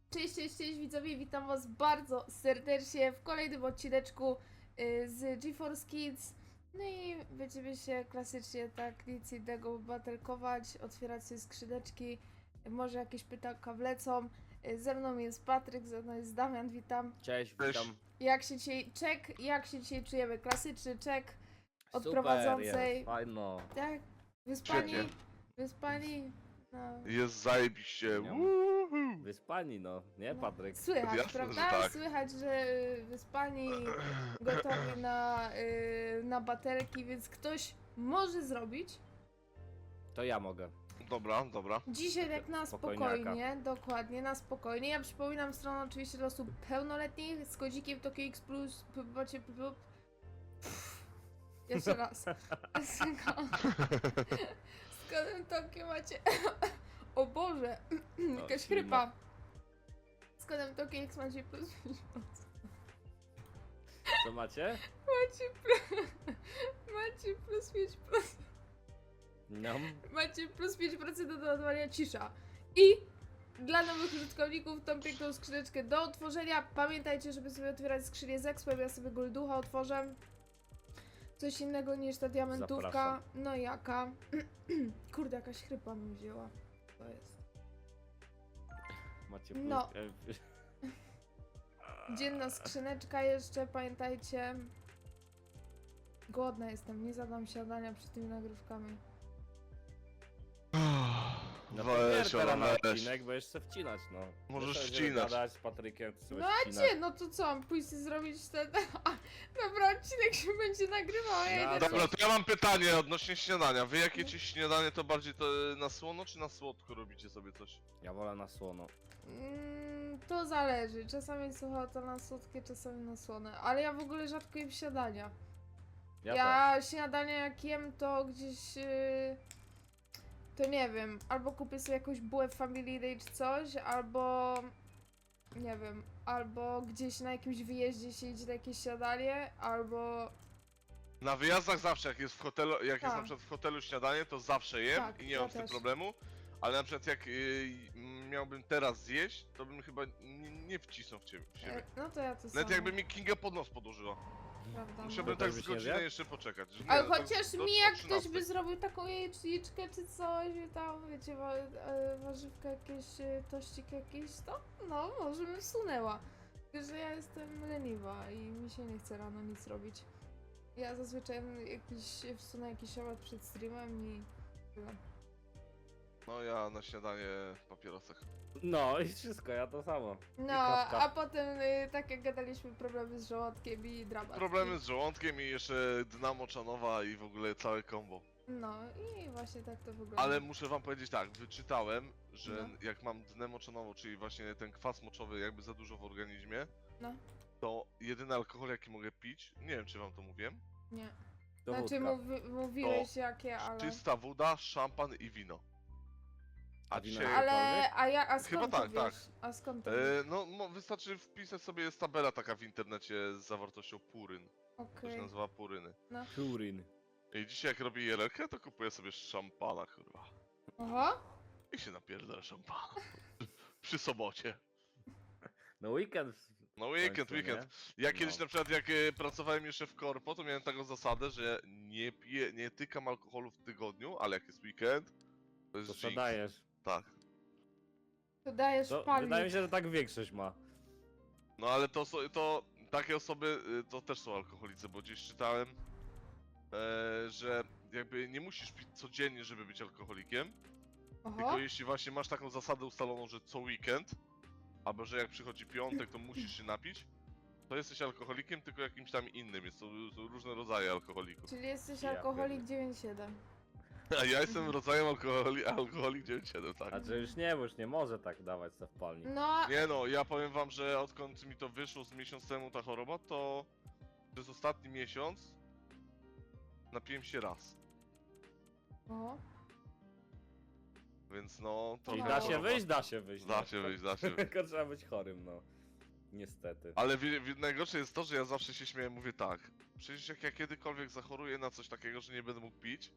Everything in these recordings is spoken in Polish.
Cześć, cześć, cześć widzowie, witam was bardzo serdecznie w kolejnym odcineczku z GeForce Kids. No i będziemy się klasycznie tak nic innego baterkować, otwierać sobie skrzyneczki, może jakieś pytanka wlecą. Ze mną jest Patryk, ze mną jest Damian, witam. Cześć, Cześć. witam. Jak się dzisiaj czujemy? Klasyczny czek od Super prowadzącej. jest, fajno. Tak? Wyspani? Świetnie. Wyspani? No. Jest zajebiście. Nie. Woohoo. Wyspani, no. Nie, No, Patryk? Słychać, Jasne, że prawda? tak. Słychać, że wyspani, gotowi na baterki, więc ktoś może zrobić. To ja mogę. Dobra, dobra. Dzisiaj tak na Spokojniaka. spokojnie, dokładnie, na spokojnie. Ja przypominam stronę oczywiście dla osób pełnoletnich z kodzikiem Tokio X Plus. Macie. Jeszcze raz. Z kodem Tokio macie. O Boże, jakaś ślimak. chrypa. Z kodem Tokio X macie plus 5%. Co macie? Macie plus 5%. No. Macie plus 5% do doładowania cisza. I dla nowych użytkowników tą piękną skrzyneczkę do otworzenia. Pamiętajcie, żeby sobie otwierać skrzynię z Expem. Ja sobie Golducha otworzę. Coś innego niż ta diamentówka. Zapraszam. No jaka? Kurde, jakaś chrypa mi wzięła. To jest. Macie plus... No. Dzienna skrzyneczka jeszcze, pamiętajcie. Głodna jestem, nie zadam śniadania przed tymi nagrywkami. No Weź, teraz na ona weź. odcinek, bo jeszcze wcinać, no. Możesz My sobie wcinać. gadać z Patrykiem, ty sobie No a wcinać. gdzie? No to co, mam pójść i zrobić ten... Dobra, odcinek się będzie nagrywał, a ja No, idę... Dobra, to ja mam pytanie odnośnie śniadania. Wy jakie ci śniadanie to bardziej to na słono czy na słodko robicie sobie coś? Ja wolę na słono. To zależy, czasami słucha to na słodkie, czasami na słone, ale ja w ogóle rzadko jem śniadania. Ja Śniadania jak jem to gdzieś... To nie wiem, albo kupię sobie jakąś bułę Family Day czy coś, albo... Nie wiem, albo gdzieś na jakimś wyjeździe się idzie na jakieś śniadanie, albo... Na wyjazdach zawsze, jak jest w hotelu, jak jest Tak. na przykład w hotelu śniadanie, to zawsze jem Tak, i nie ja mam z tym też. problemu. Ale na przykład jak miałbym teraz zjeść, to bym chyba nie wcisnął w siebie. No to ja to samo. Nawet jakby mi Kinga pod nos podłożyła. Prawda, Musiałbym no. tak tak z byś nie godzinę zjadł? jeszcze poczekać. Że Ale nie, no to chociaż do- mi do jak ktoś 13. by zrobił taką jajeczniczkę czy coś, i tam wiecie, warzywka jakieś, tościk jakiś, to no, może bym wsunęła. Tylko, że ja jestem leniwa i mi się nie chce rano nic robić. Ja zazwyczaj wsunę jakiś obiad przed streamem i tyle. No ja na śniadanie w papierosach. No i wszystko, ja to samo. No, kawka. a potem, tak jak gadaliśmy, problemy z żołądkiem i dramat. Problemy z żołądkiem i jeszcze dna moczanowa i w ogóle całe combo. No i właśnie tak to wygląda. Ale muszę wam powiedzieć tak, wyczytałem, że No. jak mam dnę moczanową, czyli właśnie ten kwas moczowy jakby za dużo w organizmie, No, to jedyny alkohol jaki mogę pić, nie wiem czy wam to mówiłem, nie. To Znaczy wódka. mówiłeś jakie, ale... czysta woda, szampan i wino. A A wino dzisiaj... Ale, a skąd Chyba to tak, wiesz? tak. A skąd to wiesz? no wystarczy wpisać sobie, jest tabela taka w internecie z zawartością puryn. To Okej. się nazywa puryny. Turin. I dzisiaj jak robię jelelkę, to kupuję sobie szampana kurwa. Oho, I się napierdolę szampana. Przy sobocie. No weekend. No weekend, końcu, weekend. nie? Ja kiedyś No. na przykład jak pracowałem jeszcze w korpo, to miałem taką zasadę, że nie piję, nie tykam alkoholu w tygodniu, ale jak jest weekend, to jest To co drinks. dajesz? Tak. to dajesz To, palnik. wydaje mi się, że tak większość ma. No ale to takie osoby to też są alkoholicy, bo gdzieś czytałem, że jakby nie musisz pić codziennie, żeby być alkoholikiem, Oho, tylko jeśli właśnie masz taką zasadę ustaloną, że co weekend, albo że jak przychodzi piątek, to musisz się napić, to jesteś alkoholikiem, tylko jakimś tam innym. Są różne rodzaje alkoholików. czyli jesteś Ja alkoholik pierdolę. 9,7. A ja jestem rodzajem alkoholik 9,7, tak. A że już nie, bo już nie może tak dawać co w palnik. No, Nie no, ja powiem wam, że odkąd mi to wyszło z miesiąc temu ta choroba, to przez ostatni miesiąc napiłem się raz. oho. Więc no, to I No. da się wyjść, da się wyjść. Da no. się wyjść, da się wyjść. Tylko trzeba być chorym, no. Niestety. Ale najgorsze jest to, że ja zawsze się śmieję, mówię tak. Przecież jak ja kiedykolwiek zachoruję na coś takiego, że nie będę mógł pić,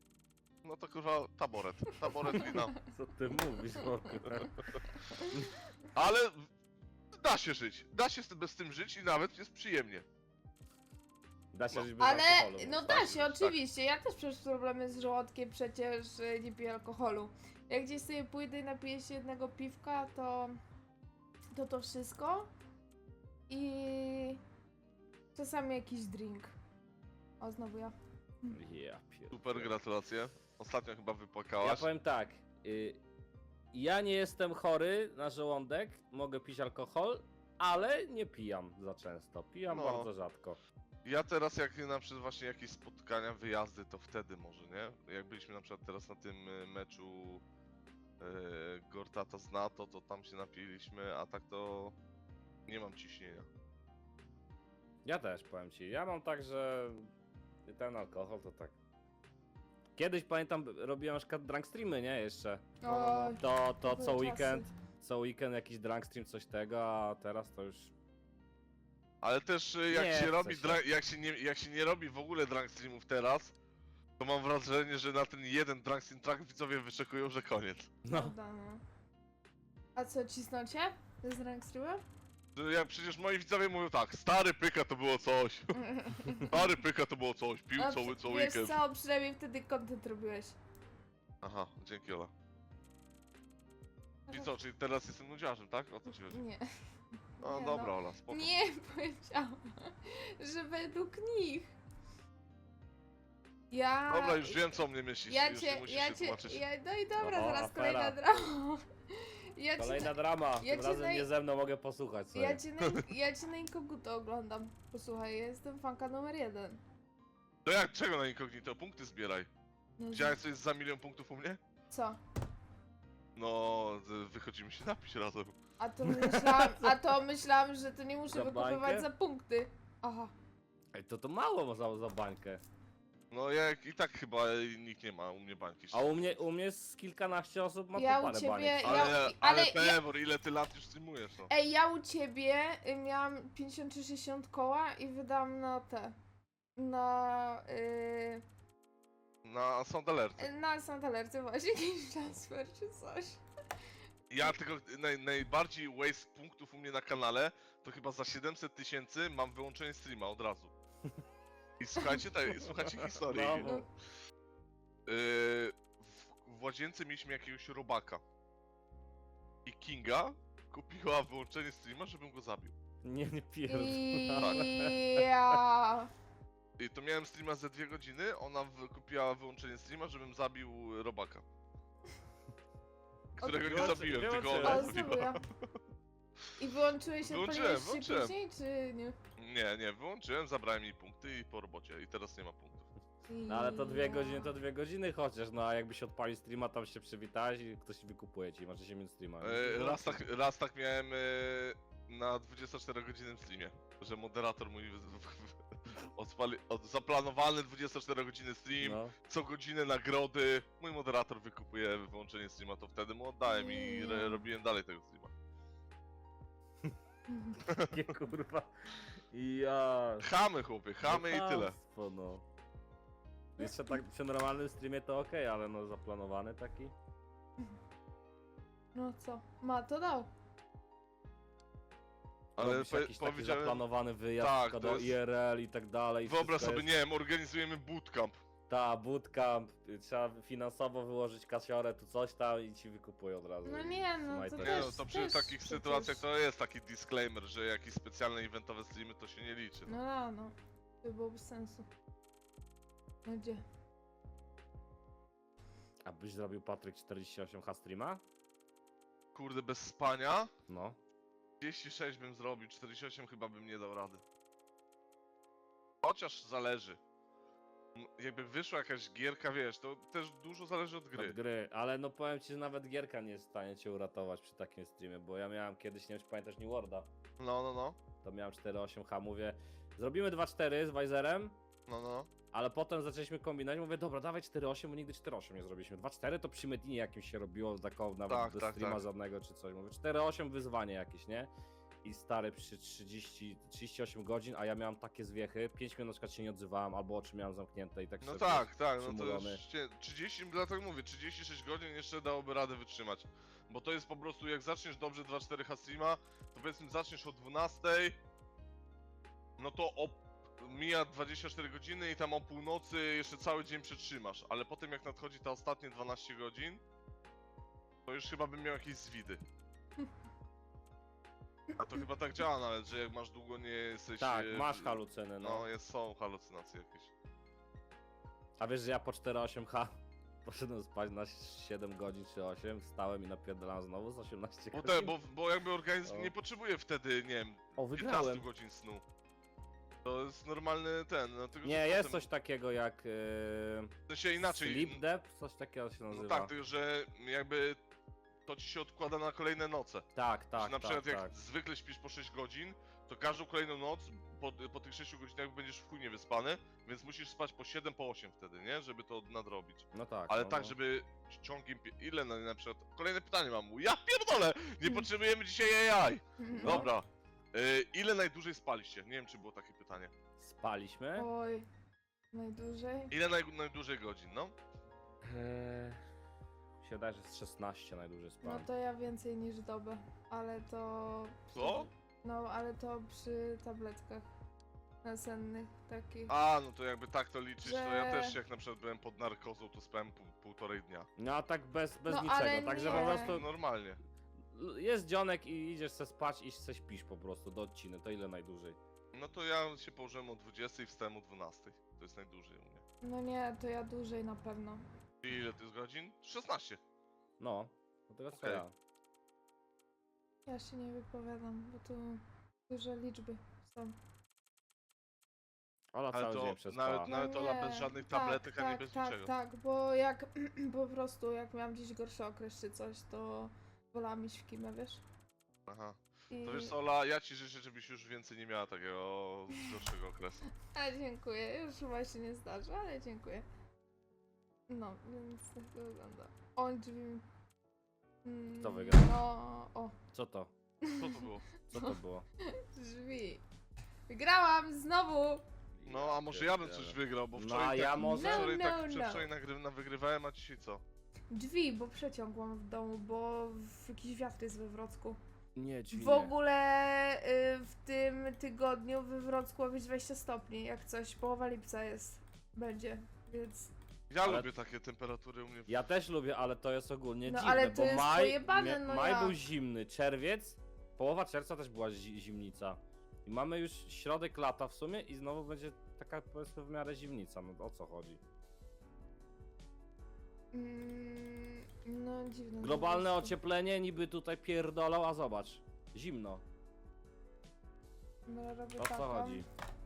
no to kurwa taboret wina. Co ty mówisz w ogóle? Ale da się żyć. Da się bez tym żyć i nawet jest przyjemnie. Da się No. żyć bez Ale, alkoholu. no tak, da się, tak. oczywiście. Ja też przez problemy z żołądkiem przecież nie piję alkoholu. Jak gdzieś sobie pójdę i napiję się jednego piwka, to wszystko. I czasami jakiś drink. O, znowu ja. Ja pierdolę. Super, gratulacje. Ostatnio chyba Ja wypłakałaś. powiem tak. Ja nie jestem chory na żołądek, mogę pić alkohol, ale nie pijam za często. Pijam No. bardzo rzadko. Ja teraz jak na przykład właśnie jakieś spotkania, wyjazdy, to wtedy może, nie? Jak byliśmy na przykład teraz na tym meczu Gortata z NATO, to tam się napiliśmy, a tak to nie mam ciśnienia. Ja też powiem ci. Ja mam tak, że ten alkohol to tak. Kiedyś pamiętam, robiłem na przykład drunk streamy, nie? Jeszcze. Oj, To były co czasy. weekend. Co weekend jakiś drunk stream, coś tego, a teraz to już. Ale też jak Nie się chce robi, się. jak się nie robi w ogóle drunk streamów teraz, to mam wrażenie, że na ten jeden drunk stream track widzowie wyczekują, że koniec. No. Prawda, no. A co, cisnącie? Z rank streamem? Że Jak przecież moi widzowie mówią tak, stary pyka to było coś, stary pyka to było coś, pił No, co wiesz weekend. co, przynajmniej wtedy content robiłeś. Aha, dzięki Ola. Czyli co, czyli teraz jestem nudziarzem, tak? O to ci chodzi. Nie. No Nie, dobra no. Ola, spoko. Nie powiedziałam, że według nich. Ja. Dobra, już wiem co o mnie myślisz, Ja już cię, nie musisz ja się cię, tłumaczyć. no i dobra, Oho, zaraz afera. kolejna drama. Ja cię, Kolejna drama. ja Tym cię razem nie ze mną mogę posłuchać sobie. ja cię na inkognito oglądam. Posłuchaj, ja jestem fanka numer 1. To jak, czego na incognito? Punkty zbieraj. No, Widziałeś coś za 1 000 000 punktów u mnie? co? No, wychodzimy się napić razem. A to myślałam, że to nie muszę Za wykupywać bańkę? za punkty. Aha. Ej, to mało za bańkę. No jak i tak chyba nikt nie ma u mnie bańki. A u mnie z kilkanaście osób ma Ja po u parę ciebie- baniek. Ale ja- Pewor, ile ty lat już streamujesz, no? Ej, ja u ciebie miałam 50 czy 60 koła i wydam na te. Na Sound Alert. Na Santalerce właśnie jakiś transfer czy coś. Ja tylko najbardziej waste punktów u mnie na kanale to chyba za 700 000 mam wyłączenie streama od razu. I słuchajcie, słuchajcie historii. No, No. W łazience mieliśmy jakiegoś robaka. I Kinga kupiła wyłączenie streama, żebym go zabił. nie pierdolę. Ja. I to miałem streama ze 2 godziny, ona kupiła wyłączenie streama, żebym zabił robaka. Którego nie Wyłączy- zabiłem, tylko wyłączyłem. ona O, znowu zabiła. ja. I wyłączyłeś się, Wyłączyłem, odpaliłeś się wyłączyłem. później, czy nie? Nie, wyłączyłem, zabrałem jej punkty i po robocie. I teraz nie ma punktów. No ale to 2 godziny, to 2 godziny chociaż, no a jakby się odpali streama, tam się przywitałeś i ktoś wykupuje ci, macie się mieć streama. Raz tak miałem na 24-godzinnym streamie, że moderator mój zaplanowany 24-godzinny stream, No. co godzinę nagrody, mój moderator wykupuje wyłączenie streama, to wtedy mu oddałem i robiłem dalej tego streama. Takie kurwa. Ja. Chamy chłopie, chamy i tyle. Chamstwo, no. Jeszcze tak przy normalnym streamie to okej, ale no zaplanowany taki. No co? Ma to dał. Ale Robisz jakiś taki powiedziałem, zaplanowany wyjazd tak, tak, to do jest- IRL i tak dalej. i wyobraź wszystko sobie, jest- nie wiem, organizujemy bootcamp. Ta, bootcamp, trzeba finansowo wyłożyć kasiorę, tu coś tam i ci wykupują od razu. No i nie, no trzymaj to to. Nie też- no, to przy też takich przecież- sytuacjach to jest taki disclaimer, że jakieś specjalne eventowe streamy to się nie liczy. No. No. To byłoby sensu. No gdzie? A byś zrobił Patryk 48H streama? Kurde, bez spania? No. 36 bym zrobił, 48 chyba bym nie dał rady. Chociaż zależy. Jakby wyszła jakaś gierka, wiesz, to też dużo zależy od Od gry. gry, ale no powiem ci, że nawet gierka nie jest w stanie cię uratować przy takim streamie, bo ja miałem kiedyś, nie wiem czy pamiętasz New Worlda, No. to miałem 4.8H, mówię, zrobimy 2.4 z Weiserem, No. ale potem zaczęliśmy kombinować, mówię, dobra, dawaj 4.8, bo nigdy 4.8 nie zrobiliśmy. 2.4 to przy Medinie jakimś się robiło, taką nawet Tak, bez tak, streama tak. żadnego czy coś. Mówię, 4.8 wyzwanie jakieś, nie? I stary przy 38 godzin, a ja miałem takie zwiechy, 5 minut na przykład się nie odzywałem, albo oczy miałem zamknięte i tak No sobie, tak, no to przymulony. już 30, dlatego mówię, 36 godzin jeszcze dałoby radę wytrzymać. Bo to jest po prostu, jak zaczniesz dobrze 2-4 streama, to powiedzmy zaczniesz o 12, no to mija 24 godziny i tam o północy jeszcze cały dzień przetrzymasz, ale potem jak nadchodzi te ostatnie 12 godzin, to już chyba bym miał jakieś zwidy. A to chyba tak działa nawet, że jak masz długo nie jesteś... Tak, masz halucyny, no. No, są halucynacje jakieś. A wiesz, że ja po 4-8H poszedłem spać na 7 godzin czy 8, wstałem i napierdalałem znowu z 18 Bo, godzin. bo jakby organizm O. nie potrzebuje wtedy, nie wiem, O, 15 wygrałem. godzin snu. To jest normalny ten, dlatego że Nie, jest potem- coś takiego jak W sensie inaczej. sleep debt, coś takiego się nazywa. No tak, tylko że jakby to ci się odkłada na kolejne noce. tak, Że tak, na przykład tak, jak tak. zwykle śpisz po 6 godzin, to każdą kolejną noc po tych 6 godzinach będziesz w chuj niewyspany, więc musisz spać po 7, po 8 wtedy, nie? Żeby to nadrobić. No tak. Ale no, tak, no. żeby ciągiem... Ile na przykład... Kolejne pytanie mam. Ja pierdolę! Nie potrzebujemy dzisiaj AI! No. Dobra. Ile najdłużej spaliście? Nie wiem, czy było takie pytanie. Spaliśmy? Oj, najdłużej? Ile najdłużej godzin, no? Mi się wydaje, że jest 16 najdłużej No spałem. to ja więcej niż dobę, ale to... Co? No, ale to przy tabletkach nasennych takich. A, no to jakby tak to liczyć, to ja Że- też jak na przykład byłem pod narkozą, to spałem półtorej dnia. No a tak bez No, niczego, ale także nie. po prostu Normalnie. jest dzionek i idziesz se spać i se śpisz po prostu do odciny, to ile najdłużej? No to ja się położyłem o 20 i wstałem o 12. To jest najdłużej u mnie. No nie, to ja dłużej na pewno. I ile to jest godzin? 16. No, to teraz co Okej. ja. Ja się nie wypowiadam, bo tu duże liczby są. Ola Ale cały to dzień przespała. nawet Ola bez żadnych tabletek, ani bez niczego. Tak, bo jak po prostu jak miałam gdzieś gorszy okres czy coś, to wolałam iść w kimę, wiesz? Aha. I... To wiesz co, Ola, ja ci życzę, żebyś już więcej nie miała takiego gorszego okresu. Ale dziękuję, już chyba się nie zdarzy, ale dziękuję. No, więc tak to wygląda. O, drzwi... Kto wygrał? No, o, Co to? Co to było? Co to było? drzwi. Wygrałam znowu! No, a może ja bym coś wygrał, bo No, wczoraj a ja tak, może- wczoraj, No, tak, no, przedwczoraj wygrywałem, a dzisiaj co? Drzwi, bo przeciągłam w domu, bo jakiś wiatr jest we Wrocku. Nie, dźwignię. W ogóle w tym tygodniu we Wrocku ma być 20 stopni, jak coś, połowa lipca jest, będzie, więc... Ja Ale- lubię takie temperatury u mnie. Ja też lubię, ale to jest ogólnie No, dziwne, ale to bo jest maj, pojebane, no maj jak? był zimny, czerwiec, połowa czerwca też była zimnica. I mamy już środek lata w sumie i znowu będzie taka powiedzmy w miarę zimnica, no o co chodzi? No dziwne. Globalne po prostu. ocieplenie niby tutaj pierdolą, a zobacz, zimno. Dobra, robię O co taką. chodzi?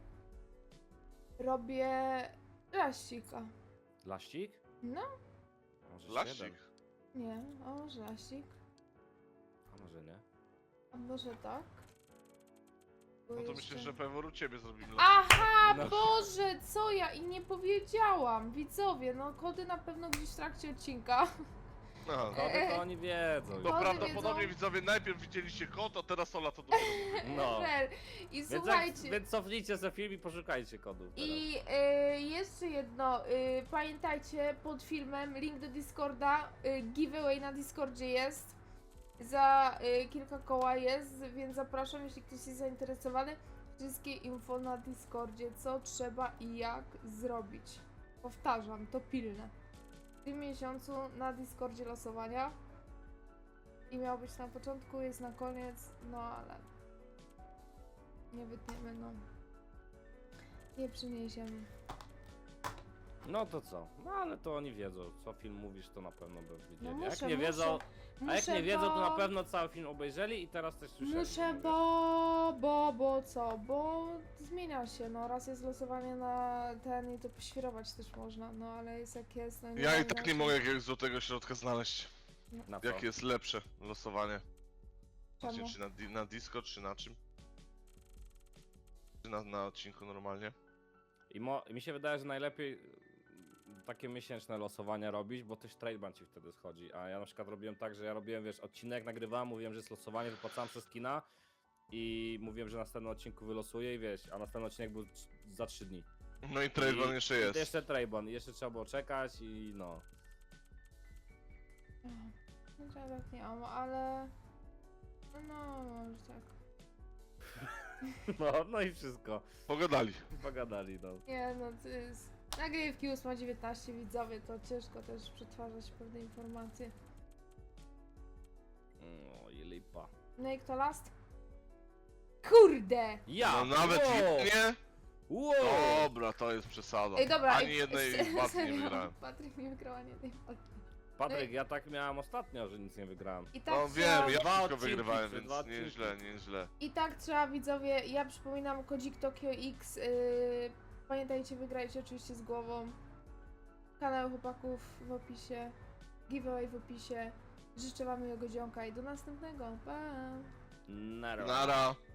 Robię laścika. Laścik? No, Może Laścik? 7? nie, a może laścik, A może nie? a może tak. Bo No to jeszcze- myślę, że pewnie u ciebie zrobimy Aha, No. Boże, co ja i nie powiedziałam. Widzowie, no kody na pewno gdzieś w trakcie odcinka. Aha. Kody to oni wiedzą. To Kody prawdopodobnie wiedzą. widzowie najpierw widzieliście kot, a teraz Ola to dopiero mówi. No. Żel. I Więc, słuchajcie. więc cofnijcie sobie film i poszukajcie kodów teraz. I jeszcze jedno, pamiętajcie pod filmem link do Discorda, giveaway na Discordzie jest, za kilka koła jest, więc zapraszam, jeśli ktoś jest zainteresowany, wszystkie info na Discordzie, co trzeba i jak zrobić. Powtarzam, to pilne. W tym miesiącu na Discordzie losowania i miał być na początku, jest na koniec, no ale nie wytniemy, no. Nie przyniesiemy. No to co? No ale to oni wiedzą. Co film mówisz, to na pewno by wiedzieli. No jak muszę, nie wiedzą, a jak muszę, nie wiedzą, to na bo- pewno cały film obejrzeli i teraz też słyszeli. Muszę, no bo co? Bo zmienia się, no raz jest losowanie na ten i to poświrować też można, no ale jest jak jest, no Ja ma i tak nie inaczej. mogę jakiegoś złotego środka znaleźć. wiesz. Na co? Jakie jest lepsze losowanie? Czemu? Właśnie, czy na Discord, czy na czym? Czy na odcinku normalnie? I mi się wydaje, że najlepiej takie miesięczne losowania robić, bo też tradeban ci wtedy schodzi. A ja na przykład robiłem tak, że ja robiłem, wiesz, odcinek nagrywałem, mówiłem, że jest losowanie, wypłacałem przez kina i mówiłem, że następnym odcinku wylosuję i wiesz, a następny odcinek był za 3 dni. No i Trayvon I- jeszcze jest. Jeszcze tradeban, jeszcze trzeba było czekać i no. Znaczy ja tak nie mam, ale... No, może tak. No i wszystko. Pogadali. Pogadali, no. Nie no, to jest... Nagrywki 8:19 widzowie, to ciężko też przetwarzać pewne informacje. No i lipa. No i kto last? Kurde! Ja! No nawet wow. nie? Wow. Dobra, to jest przesada. Ej, dobra, Ani jednej walki nie serio, wygrałem. Patryk nie wygrał ani jednej walki. Patryk, ja tak miałem ostatnio, że nic nie wygrałem. I tak No trzeba... wiem, ja Dwa wszystko odcinki, wygrywałem, czy więc dwa odcinki. nieźle, nieźle. I tak trzeba widzowie, ja przypominam kodzik Tokio X, pamiętajcie, wygrajcie oczywiście z głową. Kanał chłopaków w opisie, giveaway w opisie. Życzę wam miłego dzionka i do następnego, pa! Nara. Nara.